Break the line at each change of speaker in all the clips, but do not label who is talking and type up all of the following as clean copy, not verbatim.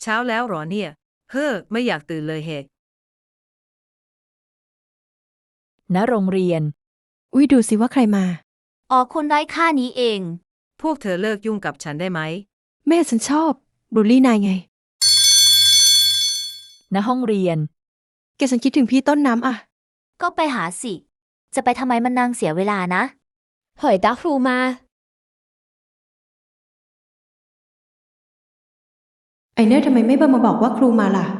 ช้าแล้วหรอเนี่ยเฮ้อไม่อยากตื่นเลยเหก
ณโรงเรียน
อุ๊ยดูสิว่าใครมา
อ๋อคนไร้ค่านี้เอง
พวกเธอเลิกยุ่งกับฉันได้ไหม
แม่ฉันชอบบูลลี่นายไง
ณห้องเรียน
แกฉันคิดถึงพี่ต้นน้ำอะ
ก็ไปหาสิ จะไปทำไมมันนางเสียเวลานะ
เผยตาครูมา
ไอเนอร์ทำไมไม่เบอร์มาบอกว่าครูมาล่ะ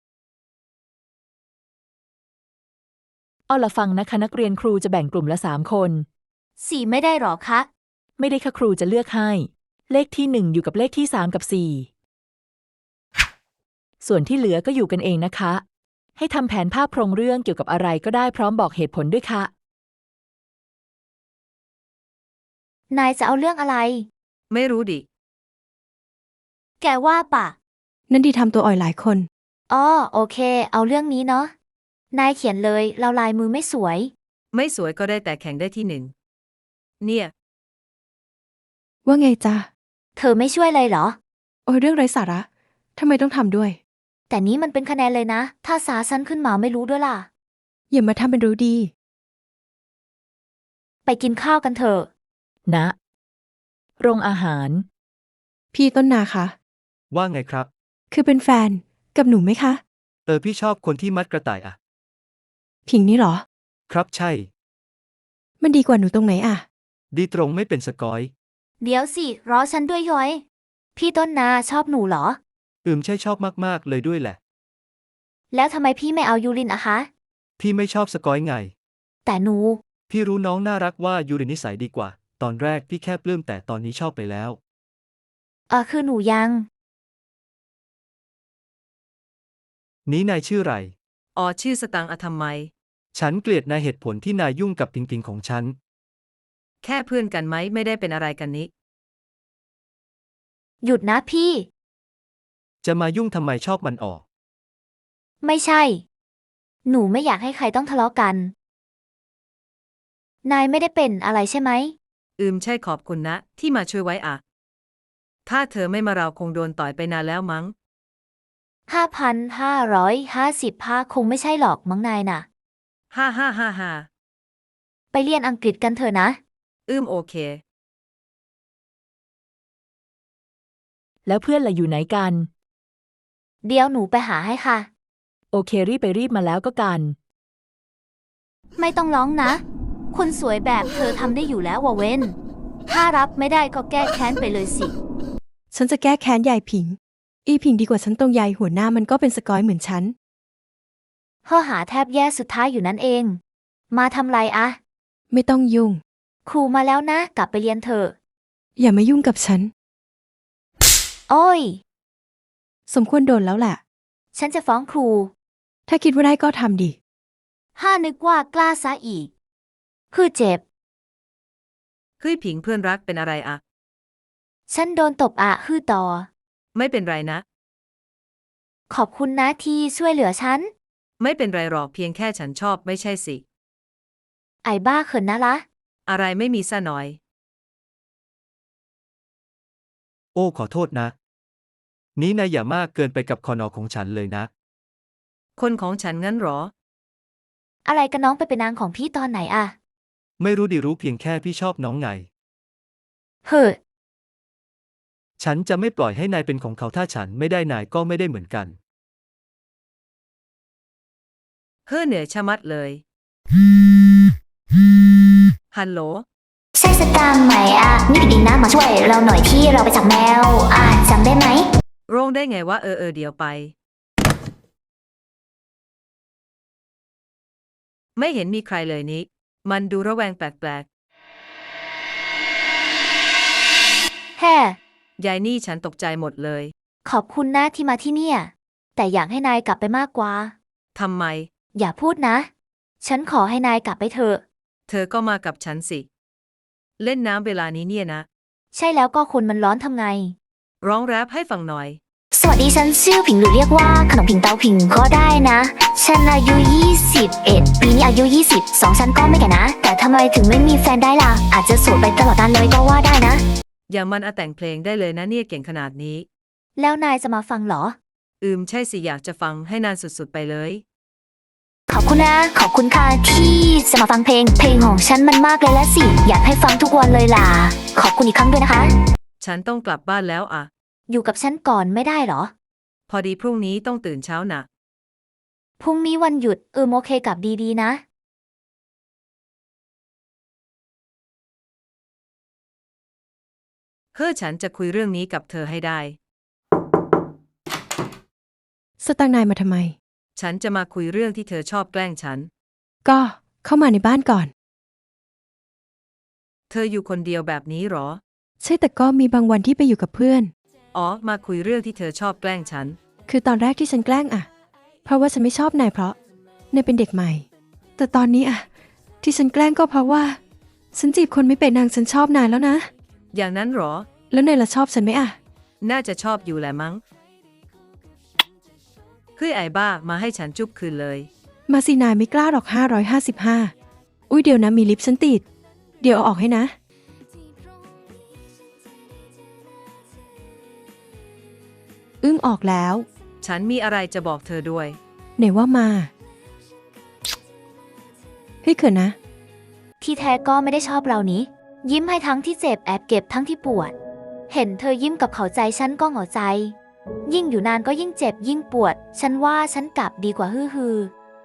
เอาละฟังนะคะนักเรียนครูจะแบ่งกลุ่มละ3 คน
สี่ไม่ได้หรอคะ
ไม่ได้ค่ะครูจะเลือกให้เลขที่1อยู่กับเลขที่3กับ4ส่วนที่เหลือก็อยู่กันเองนะคะให้ทำแผนภาพโครงเรื่องเกี่ยวกับอะไรก็ได้พร้อมบอกเหตุผลด้วยค่ะ
นายจะเอาเรื่องอะไร
ไม่รู้ดิ
แกว่าปะ
นั่นดีทำตัวอ่อยหลายคน
อ๋อโอเค เอาเรื่องนี้เนาะ นายเขียนเลยเราลายมือไม่สวย
ไม่สวยก็ได้แต่แข่งได้ที่1เนี่ย
ว่าไงจ๊ะ
เธอไม่ช่วยเลยเหรอ
โอ้ยเรื่องไร้สาระทำไมต้องทำด้วย
แต่นี้มันเป็นคะแนนเลยนะ ถ้าสาสั้นขึ้นมาไม่รู้ด้วยล่ะ
อย่ามาทำเป็นรู้ดี
ไปกินข้าวกันเถอะ
ณโรงอาหาร
พี่ต้นนาคะ
ว่าไงครับ
คือเป็นแฟนกับหนูไหมคะ
พี่ชอบคนที่มัดกระต่ายอะ
ผิงนี่เหรอ
ครับใช่
มันดีกว่าหนูตรงไหนอะ
ดีตรงไม่เป็นสกอย
เดี๋ยวสิ รอฉันด้วยย้อย พี่ต้นนาชอบหนูเหรอ
ใช่ชอบมากๆเลยด้วยแหละ
แล้วทำไมพี่ไม่เอายูรินอะคะ
พี่ไม่ชอบสกอยไง
แต่หนู
พี่รู้น้องน่ารักว่ายูรินิสัยดีกว่าตอนแรกพี่แค่ปลื้มแต่ตอนนี้ชอบไปแล้ว
คือหนูยัง
นี้นายชื่อไร
อ๋อชื่อสตังค์อะทำไม
ฉันเกลียดนายเหตุผลที่นายยุ่งกับพิงพิงของฉัน
แค่เพื่อนกันไหมไม่ได้เป็นอะไรกันนี้
หยุดนะพี่
จะมายุ่งทำไมชอบมันออก
ไม่ใช่ หนูไม่อยากให้ใครต้องทะเลาะกัน นายไม่ได้เป็นอะไรใช่ไหม
ใช่ขอบคุณนะที่มาช่วยไว้อะถ้าเธอไม่มาเราคงโดนต่อยไปนานแล้วมั้ง
5,555คงไม่ใช่หรอกมั้งนายน่ะ
ฮ่า
ไปเรียนอังกฤษกันเถอะนะ
โอเค
แล้วเพื่อนล่ะอยู่ไหนกัน
เดี๋ยวหนูไปหาให้ค่ะ
โอเครีบไปรีบมาแล้วก็กัน
ไม่ต้องร้องนะ คนสวยแบบเธอทำได้อยู่แล้วว่ะเว้น ถ้ารับไม่ได้ก็แก้แค้นไปเลยสิ
ฉันจะแก้แค้นยายผิงอีผิงดีกว่าฉันตรงยายหัวหน้ามันก็เป็นสกอยเหมือนฉัน
หาแทบแย่สุดท้ายอยู่นั่นเอง มาทำไรอะ
ไม่ต้องยุ่ง
ครูมาแล้วนะกลับไปเรียนเถอะ
อย่ามายุ่งกับฉัน
โอ้ย
สมควรโดนแล้วแหละ
ฉันจะฟ้องครู
ถ้าคิดว่าได้ก็ทำดิ
นึกว่ากล้าซะอีกคือเจ็บ
เฮ้ยผิงเพื่อนรักเป็นอะไรอะ
ฉันโดนตบต่อ
ไม่เป็นไรนะ
ขอบคุณนะที่ช่วยเหลือฉัน
ไม่เป็นไรหรอกเพียงแค่ฉันชอบไม่ใช่สิ
ไอ้บ้าเขินนะละ
อะไรไม่มีซะหน่อย
โอ้ขอโทษนะนี้นายอย่ามากเกินไปกับคอนอของฉันเลยนะ
คนของฉันงั้นหรอ
อะไรกันน้องไปเป็นนางของพี่ตอนไหนอะ
ไม่รู้ดิรู้เพียงแค่พี่ชอบน้องไง
เฮ้อ
ฉันจะไม่ปล่อยให้นายเป็นของเขาถ้าฉันไม่ได้นายก็ไม่ได้เหมือนกัน
เหนื่อยชะมัดเลยฮัลโหล
ใช่สตางค์ไหมนี่ดีนะมาช่วยเราหน่อยที่เราไปจับแมวจำได้ไหม
โรงได้ไงว่าเดี๋ยวไปไม่เห็นมีใครเลยนี้มันดูระแวงแปลก
แฮ่
ยายนี่ฉันตกใจหมดเลย
ขอบคุณนะที่มาที่เนี่ยแต่อยากให้นายกลับไปมากกว่า
ทำไม
อย่าพูดนะฉันขอให้นายกลับไปเถอะ
เธอก็มากับฉันสิเล่นน้ำเวลานี้เนี่ยนะ
ใช่แล้วก็คนมันร้อนทำไง
ร้องแรปให้ฟังหน่อย
สวัสดีฉันชื่อผิงหรือเรียกว่าขนมผิงเตาผิงก็ได้นะฉันอายุ21ปีนี้อายุ22ฉันก็ไม่แก่นะแต่ทำไมถึงไม่มีแฟนได้ล่ะอาจจะโสดไปตลอดกาลเลยก็ว่าได้นะ
อย่ามันแต่งเพลงได้เลยนะเนี่ยเก่งขนาดนี้
แล้วนายจะมาฟังเหรอ
ใช่สิอยากจะฟังให้นานสุดๆไปเลย
ขอบคุณนะ ขอบคุณค่ะที่จะมาฟังเพลงของฉันมันมากเลยและสิ อยากให้ฟังทุกวันเลยล่ะ ขอบคุณอีกครั้งด้วยนะคะ
ฉันต้องกลับบ้านแล้วอะ
อยู่กับฉันก่อนไม่ได้เหรอ
พอดีพรุ่งนี้ต้องตื่นเช้านะ
พรุ่งนี้วันหยุดโอเคกับดีๆนะ
ฉันจะคุยเรื่องนี้กับเธอให้ได้
สตางค์นายมาทำไม
ฉันจะมาคุยเรื่องที่เธอชอบแกล้งฉัน
ก็เข้ามาในบ้านก่อน
เธออยู่คนเดียวแบบนี้หรอ
ใช่แต่ก็มีบางวันที่ไปอยู่กับเพื่อน
อ๋อ มาคุยเรื่องที่เธอชอบแกล้งฉัน
คือตอนแรกที่ฉันแกล้งอะเพราะว่าฉันไม่ชอบนายเพราะนายเป็นเด็กใหม่ แต่ตอนนี้อะที่ฉันแกล้งก็เพราะว่าฉันจีบคนไม่เป็นนางฉันชอบนายแล้วนะ
อย่างนั้นหรอ
แล้วนายล่ะชอบฉันไหมอะ
น่าจะชอบอยู่แหละมั้งไอ้บ้ามาให้ฉันจุ๊บคืนเลย
มาสินายไม่กล้าหรอก555อุ้ยเดี๋ยวนะมีลิปฉันติด เดี๋ยวเอาออกให้นะ ออกแล้ว
ฉันมีอะไรจะบอกเธอด้วย
ไหนว่ามาเฮ้ยเขินนะ
ที่แท้ก็ไม่ได้ชอบเรานี้ ยิ้มให้ทั้งที่เจ็บแอบเก็บทั้งที่ปวด เห็นเธอยิ้มกับเขาใจฉันก็เหงาใจ ยิ่งอยู่นานก็ยิ่งเจ็บยิ่งปวด ฉันว่าฉันกลับดีกว่าฮือ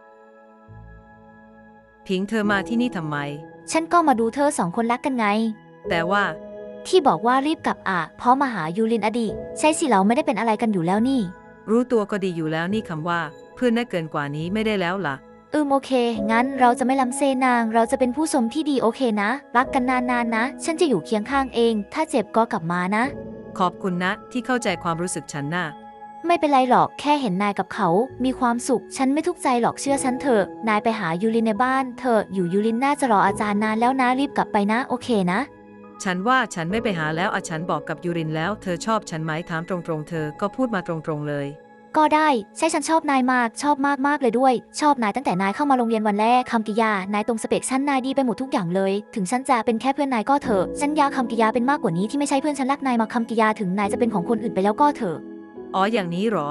พิงเธอมาที่นี่ทำไม
ฉันก็มาดูเธอ2 คนรักกันไง
แต่ว่า
ที่บอกว่ารีบกลับเพราะมาหายูรินอดีใช่สิเราไม่ได้เป็นอะไรกันอยู่แล้วนี่
รู้ตัวก็ดีอยู่แล้วนี่คำว่า เพื่อนน่าเกินกว่านี้ไม่ได้แล้วล่ะ
โอเค งั้นเราจะไม่ล้ำเซนาง เราจะเป็นผู้ชมที่ดีโอเคนะ รักกันนานๆนะ ฉันจะอยู่เคียงข้างเอง ถ้าเจ็บก็กลับมานะ
ขอบคุณนะที่เข้าใจความรู้สึกฉันน่ะ
ไม่เป็นไรหรอกแค่เห็นนายกับเขามีความสุข ฉันไม่ทุกข์ใจหรอกเชื่อฉันเถอะ นายไปหายูรินในบ้านเถอะอยู่ยูรินน่าจะรออาจารย์นานแล้วนะรีบกลับไปนะโอเคนะ
ฉันว่าฉันไม่ไปหาแล้วฉันบอกกับยูรินแล้วเธอชอบฉันไหมถามตรงๆเธอก็พูดมาตรงๆเลย
ก็ได้ใช่ฉันชอบนายมากชอบมากๆเลยด้วย ชอบนายตั้งแต่นายเข้ามาโรงเรียนวันแรกคำกริยานายตรงสเปคฉันนายดีไปหมดทุกอย่างเลย ถึงฉันจะเป็นแค่เพื่อนนายก็เถอะฉันอยากคำกริยาเป็นมากกว่านี้ที่ไม่ใช่เพื่อนฉันรักนายมาคำกริยาถึงนายจะเป็นของคนอื่นไปแล้วก็เถอะ
อ๋ออย่างนี้หรอ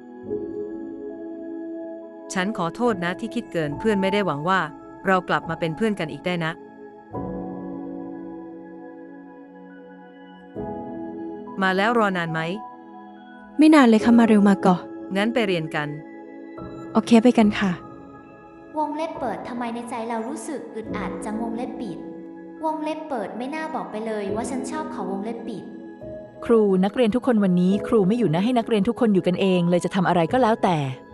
ฉันขอโทษนะที่คิดเกินเพื่อนไม่ได้หวังว่า เรากลับมาเป็นเพื่อนกันอีกได้นะ มาแล้วรอนานไหม
ไม่นานเลยค่ะมาเร็วมาก่อน
งั้นไปเรียนกัน
โอเคไปกันค่ะ
วงเล็บเปิดทำไมในใจเรารู้สึกอึดอัดจังวงเล็บปิด วงเล็บเปิดไม่น่าบอกไปเลยว่าฉันชอบเขาวงเล็บปิด
ครูนักเรียนทุกคนวันนี้ครูไม่อยู่นะให้นักเรียนทุกคนอยู่กันเองเลยจะทำอะไรก็แล้วแต่